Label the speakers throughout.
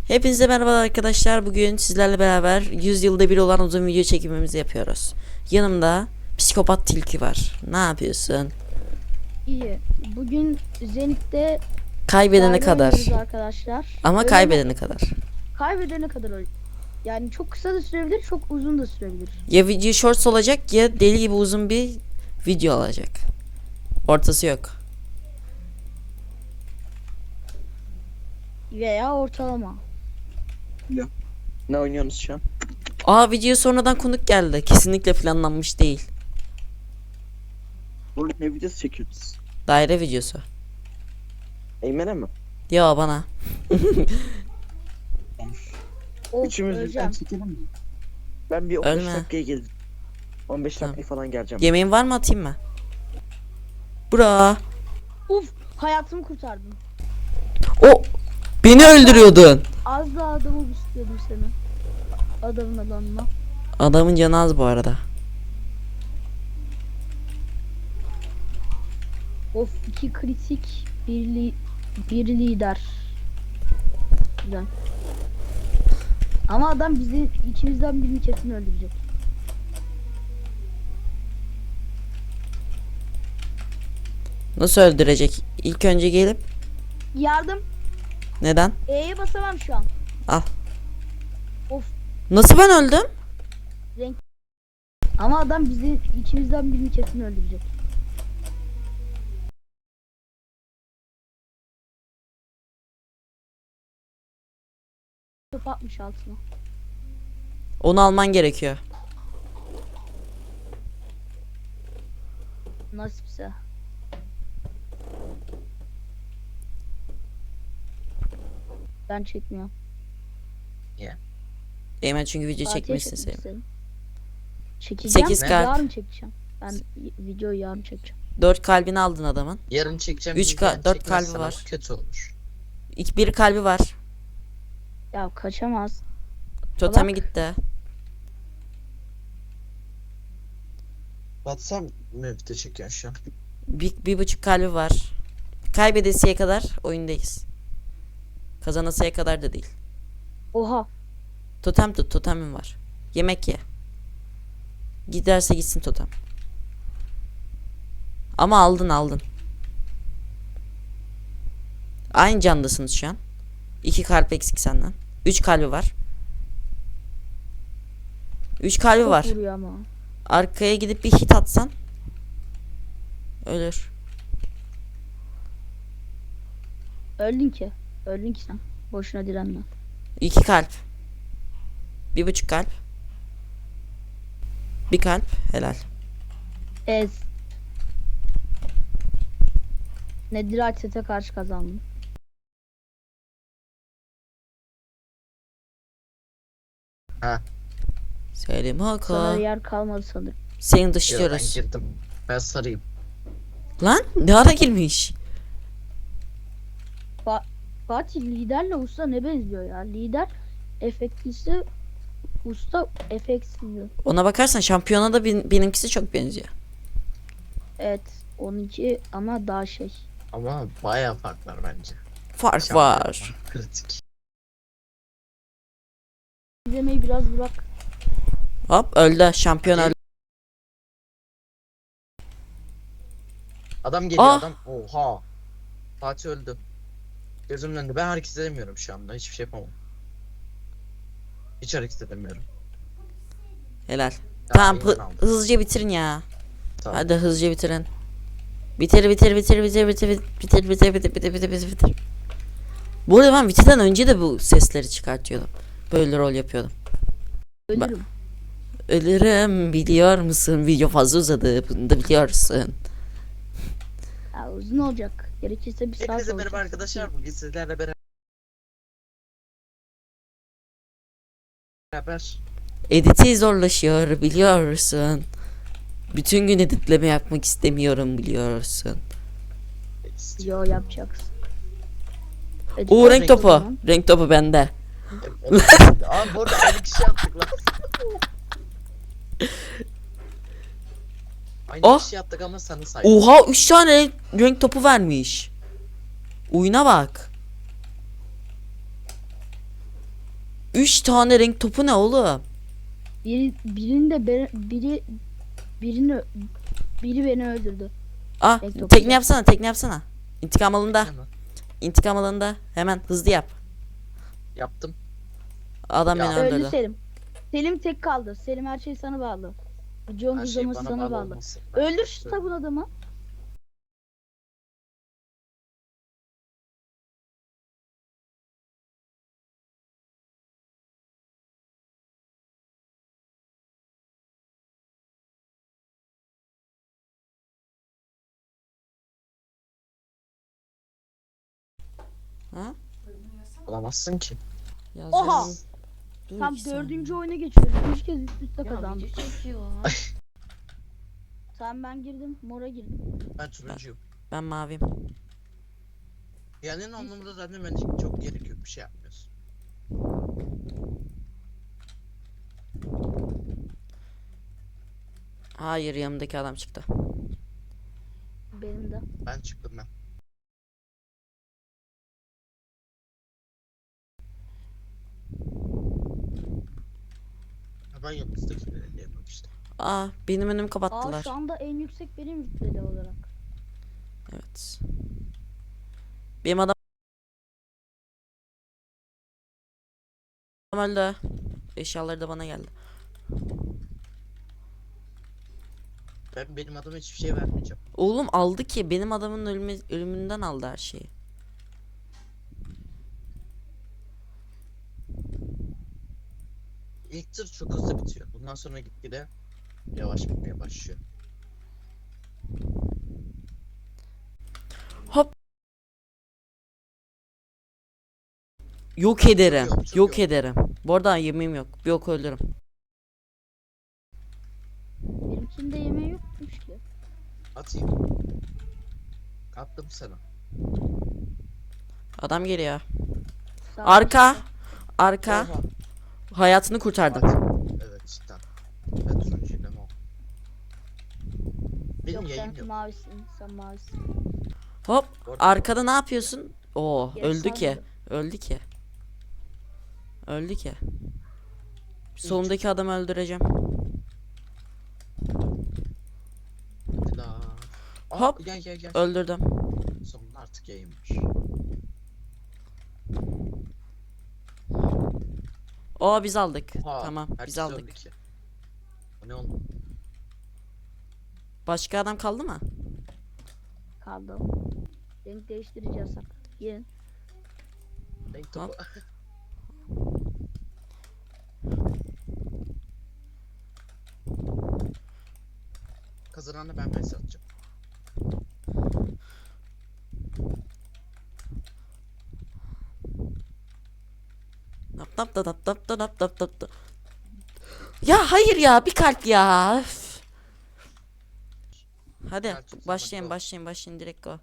Speaker 1: Hepinize merhaba arkadaşlar. Bugün sizlerle beraber 100 yılda bir olan uzun video çekimimizi yapıyoruz. Yanımda psikopat tilki var. Ne yapıyorsun?
Speaker 2: İyi. Bugün Zenit'te
Speaker 1: Kaybedene kadar.
Speaker 2: arkadaşlar.
Speaker 1: Ama
Speaker 2: Öyle
Speaker 1: kaybedene kadar.
Speaker 2: kaybedene kadar öyle. Yani çok kısa da sürebilir, çok uzun da sürebilir.
Speaker 1: Ya video shorts olacak ya deli gibi uzun bir video olacak. Ortası yok.
Speaker 2: Veya ortalama.
Speaker 3: Ne oynuyorsunuz şu an?
Speaker 1: Video sonradan konuk geldi. Kesinlikle planlanmış değil.
Speaker 3: Oğlum ne videosu çekiyorsunuz?
Speaker 1: Daire videosu.
Speaker 3: Eymen'e mi?
Speaker 1: Ya bana.
Speaker 2: Of,
Speaker 3: Üçümüz
Speaker 2: öleceğim.
Speaker 3: birden çekelim mi? Ben bir 15
Speaker 1: Ölme.
Speaker 3: dakikaya geleceğim. 15
Speaker 1: Tamam.
Speaker 3: dakikaya falan geleceğim.
Speaker 1: Yemeğin var mı, atayım mı? Bura.
Speaker 2: Uf, hayatımı kurtardın.
Speaker 1: O beni öldürüyordun.
Speaker 2: Az daha adamı istiyordum seni. Adamın adamına.
Speaker 1: Adamın canı az bu arada.
Speaker 2: Of, 2 kritik, bir lider. Güzel. Ama adam bizi ikimizden birini kesin öldürecek.
Speaker 1: Nasıl öldürecek? İlk önce gelip
Speaker 2: Yardım.
Speaker 1: neden?
Speaker 2: E'ye basamam şu an.
Speaker 1: Al.
Speaker 2: Of.
Speaker 1: Nasıl ben öldüm?
Speaker 2: Ama adam bizi ikimizden birini kesin öldürecek. Top atmış altına.
Speaker 1: Onu alman gerekiyor.
Speaker 2: Nasipse. Ben çekmiyorum.
Speaker 1: Eymen çünkü video
Speaker 2: Fatih'e
Speaker 1: çekmek
Speaker 2: çekmek
Speaker 1: istedim.
Speaker 2: istedim. Çekeceğim.
Speaker 1: 8
Speaker 2: Ben
Speaker 1: kalp.
Speaker 2: yarın çekeceğim. Ben videoyu yarın çekeceğim.
Speaker 1: 4 kalbini aldın adamın.
Speaker 4: Yarın çekeceğim.
Speaker 1: 4 kalbi var.
Speaker 4: Kötü olur.
Speaker 1: Bir kalbi var.
Speaker 2: Ya kaçamaz.
Speaker 1: Totemi gitti.
Speaker 4: WhatsApp mı video çekiyorsun şu an?
Speaker 1: Bir buçuk kalbi var. Kaybedesiye kadar oyundayız. Kazanasıya kadar da değil.
Speaker 2: Oha.
Speaker 1: Totem tut, totemim var. Yemek ye. Giderse gitsin totem. Ama aldın. Aynı candasınız şu an. 2 kalp eksik senden. 3 kalbi var. 3 kalbi
Speaker 2: Çok
Speaker 1: var.
Speaker 2: vuruyor ama.
Speaker 1: Arkaya gidip bir hit atsan ölür.
Speaker 2: Öldün ki. Öldün ki sen. Boşuna direnme.
Speaker 1: 2 kalp. 1,5 kalp. 1 kalp. Helal.
Speaker 2: Ez. Nedir Sete karşı kazandım.
Speaker 1: Selim
Speaker 2: Sana
Speaker 1: Haka.
Speaker 2: yer kalmadı sanırım.
Speaker 1: Seni
Speaker 4: Ben
Speaker 1: dışlıyoruz.
Speaker 4: girdim. Ben sarayım.
Speaker 1: Lan ne ara girmiş?
Speaker 2: Fatih liderle usta ne benziyor ya? Lider efektlisi, usta efektsiz.
Speaker 1: Ona bakarsan şampiyona da benimkisi çok benziyor.
Speaker 2: Evet, 12 ama daha şey.
Speaker 4: Ama bayağı fark var bence.
Speaker 1: Fark
Speaker 4: Şampiyon
Speaker 1: var.
Speaker 4: Kritik.
Speaker 2: İzlemeyi biraz bırak.
Speaker 1: Hop öldü. Şampiyon öldü.
Speaker 4: Adam geliyor
Speaker 1: Ah!
Speaker 4: adam. Oha. Fatih öldü. Gözümün önünde. Ben hareket edemiyorum şu anda. Hiçbir şey yapamam. Hiç hareket edemiyorum.
Speaker 1: Helal.
Speaker 4: Ya,
Speaker 1: Tamam
Speaker 4: Eymen aldı.
Speaker 1: hızlıca bitirin ya.
Speaker 4: Tamam.
Speaker 1: Hadi hızlıca bitirin. Bitir. Bu arada ben Viti'den önce de bu sesleri çıkartıyordum. Böyle rol yapıyordum.
Speaker 2: Ölürüm.
Speaker 1: Ölürüm biliyor musun? Video fazla uzadı. Bunu da biliyorsun.
Speaker 2: Ya, uzun olacak. Gerekirse bir saat
Speaker 4: Hepinize
Speaker 2: olacak.
Speaker 4: merhaba arkadaşlar. Bugün sizlerle beraber
Speaker 1: Editi zorlaşıyor biliyorsun. Bütün gün editleme yapmak istemiyorum biliyorsun.
Speaker 2: Yo yapacaksın.
Speaker 1: O renk
Speaker 4: renk
Speaker 1: topu.
Speaker 2: zaman.
Speaker 1: Renk topu bende.
Speaker 4: Abi bu arada aynı kişi yaptık lan. Aynı
Speaker 1: Oh.
Speaker 4: kişi yaptık ama sana saydım.
Speaker 1: Oha 3 tane renk topu vermiş. Oyuna bak. 3 tane renk topu ne oğlum?
Speaker 2: Biri beni öldürdü.
Speaker 1: Ah,
Speaker 2: Renk topu
Speaker 1: tekne
Speaker 2: yok.
Speaker 1: yapsana, tekne yapsana. İntikam alında.
Speaker 4: Hemen.
Speaker 1: İntikam alında. Hemen hızlı yap.
Speaker 4: Yaptım.
Speaker 1: Adam
Speaker 4: Ya.
Speaker 1: beni
Speaker 2: Öldü
Speaker 1: öldürdü.
Speaker 2: Selim. Selim tek kaldı. Selim her şey sana bağlı. John
Speaker 4: Her şey
Speaker 2: uzaması
Speaker 4: bana
Speaker 2: sana
Speaker 4: bağlı
Speaker 2: bağlı.
Speaker 4: olmasın.
Speaker 2: Öldür şu sabun adamı.
Speaker 1: Ha?
Speaker 4: Olamazsın ki.
Speaker 1: Yazıyorum.
Speaker 2: Oha!
Speaker 1: Dur
Speaker 2: Tam
Speaker 1: iki saniye.
Speaker 2: 4. oyuna geçiyoruz. 3 kez üst üste kazandık.
Speaker 1: çekiyor.
Speaker 2: Tamam ben girdim. Mora girdim.
Speaker 4: Ben turuncuyum.
Speaker 1: Ben maviyim.
Speaker 4: Yani en anlamda zaten ben çok gerek yok, bir şey yapmıyorsun.
Speaker 1: Hayır, yanımdaki adam çıktı.
Speaker 2: Benim de.
Speaker 4: Ben çıktım ben. Ha, ben yıldızdakileri diyemem işte.
Speaker 1: Aa, benim önümü
Speaker 2: Aa
Speaker 1: kapattılar.
Speaker 2: şu anda en yüksek benim rütbeli olarak.
Speaker 1: Evet. Benim adam öldü. Eşyaları da bana geldi.
Speaker 4: Benim adıma hiçbir şey vermeyeceğim.
Speaker 1: Oğlum aldı ki, benim adamın ölümünden aldı her şeyi.
Speaker 4: İlk tır çok hızlı bitiyor. Bundan sonra gitgide yavaş bitmeye başlıyor.
Speaker 1: Hop. Yok ederim.
Speaker 4: Çok
Speaker 1: Yok
Speaker 4: yok.
Speaker 1: ederim. Bu arada yemeğim yok. Bir ok öldürürüm.
Speaker 2: Benimkinde yemeği yokmuş ki.
Speaker 4: Atayım. Attım sana.
Speaker 1: Adam geliyor.
Speaker 2: Sağ
Speaker 1: Arka. Arka.
Speaker 4: Oha.
Speaker 1: Hayatını kurtardım.
Speaker 4: Evet cidden. Ben turuncuyum değil mi o? Benim
Speaker 2: Yok
Speaker 4: yayım
Speaker 2: sen
Speaker 4: yok.
Speaker 2: mavisin. Sen mavisin.
Speaker 1: Hop.
Speaker 4: Orada-
Speaker 1: Arkada ne yapıyorsun? Oo,
Speaker 2: Geri
Speaker 1: öldü ki.
Speaker 2: sarmadı.
Speaker 1: Öldü ki. Öldü ki. Solundaki adamı öldüreceğim.
Speaker 4: Hadi la. Aa,
Speaker 1: Hop.
Speaker 4: Gel.
Speaker 1: Öldürdüm.
Speaker 4: Sonunda artık yayınmış.
Speaker 1: Oo, biz aldık.
Speaker 4: Oha,
Speaker 1: Tamam, biz
Speaker 4: herkes
Speaker 1: aldık.
Speaker 4: öldü ki. O ne oldu?
Speaker 1: Başka adam kaldı mı?
Speaker 2: Kaldım. Renk değiştirici yasak. Gelin.
Speaker 4: Renk topu. Kazananı ben atacağım.
Speaker 1: Nap nap da nap nap da nap nap nap da. Ya hayır ya, bir kalp ya. Üf. Hadi
Speaker 4: Kalp,
Speaker 1: başlayın
Speaker 4: tamam,
Speaker 1: başlayın direkt go.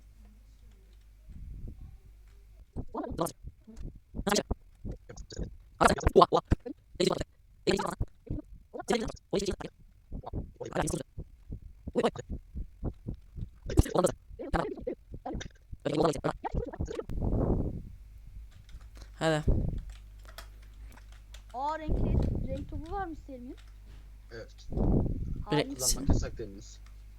Speaker 1: Hadi.
Speaker 2: Aa renk topu varmış Selim'in.
Speaker 4: Evet.
Speaker 1: Direkt-
Speaker 2: Harika.
Speaker 4: Kullanmak yasak dediniz.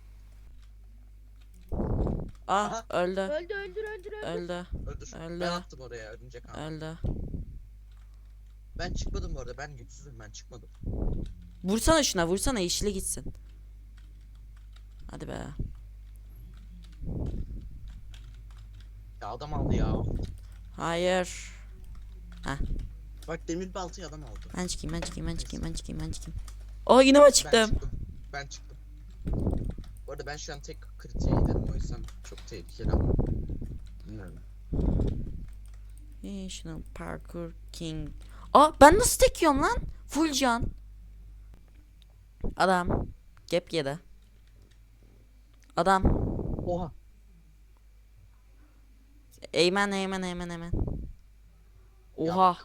Speaker 1: Ah,
Speaker 4: Aha.
Speaker 1: öldü.
Speaker 2: Öldür.
Speaker 1: Öldü.
Speaker 4: Öldür.
Speaker 1: Öldü.
Speaker 4: Ben attım oraya örümcek ağ.
Speaker 1: Öldü.
Speaker 4: Ben çıkmadım bu arada. Ben güçsüzüm, ben çıkmadım.
Speaker 1: Vursana şuna, vursana, yeşile gitsin. Hadi be.
Speaker 4: Ya adam aldı ya.
Speaker 1: Hayır.
Speaker 4: Bak demir baltayı adam aldı.
Speaker 1: Ben çıkayım. Oh, yine mi çıktım?
Speaker 4: Ben çıktım. Bu arada ben şu an tek kritiğe giderim, o yüzden çok tehlikeli ama. Bilmiyorum.
Speaker 1: National Parkour King. Aa, ben nasıl tekiyorum lan? Full can. Adam. Gap yedi. Adam.
Speaker 4: Oha.
Speaker 1: Eğmen. Oha.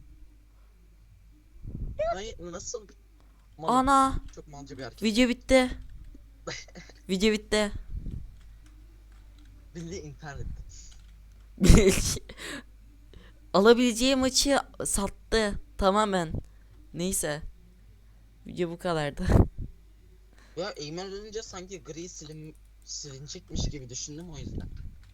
Speaker 4: Ay, nasıl?
Speaker 1: Ana.
Speaker 4: Çok malca bir hareket.
Speaker 1: Video bitti. Video bitti.
Speaker 4: Bildiğin internette.
Speaker 1: Alabileceği maçı sattı. tamamen. Neyse. Video bu kadardı.
Speaker 4: Ya Eymen ölünce sanki gri silinecekmiş gibi düşündüm o yüzden.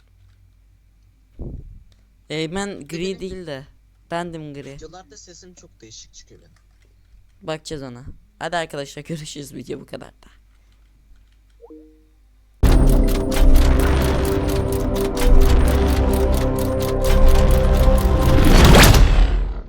Speaker 1: Ben gri değil de. Bendim gri.
Speaker 4: Videolarda sesim çok değişik çıkıyor benim.
Speaker 1: Bakacağız ona. Hadi arkadaşlar görüşürüz, video bu kadar da.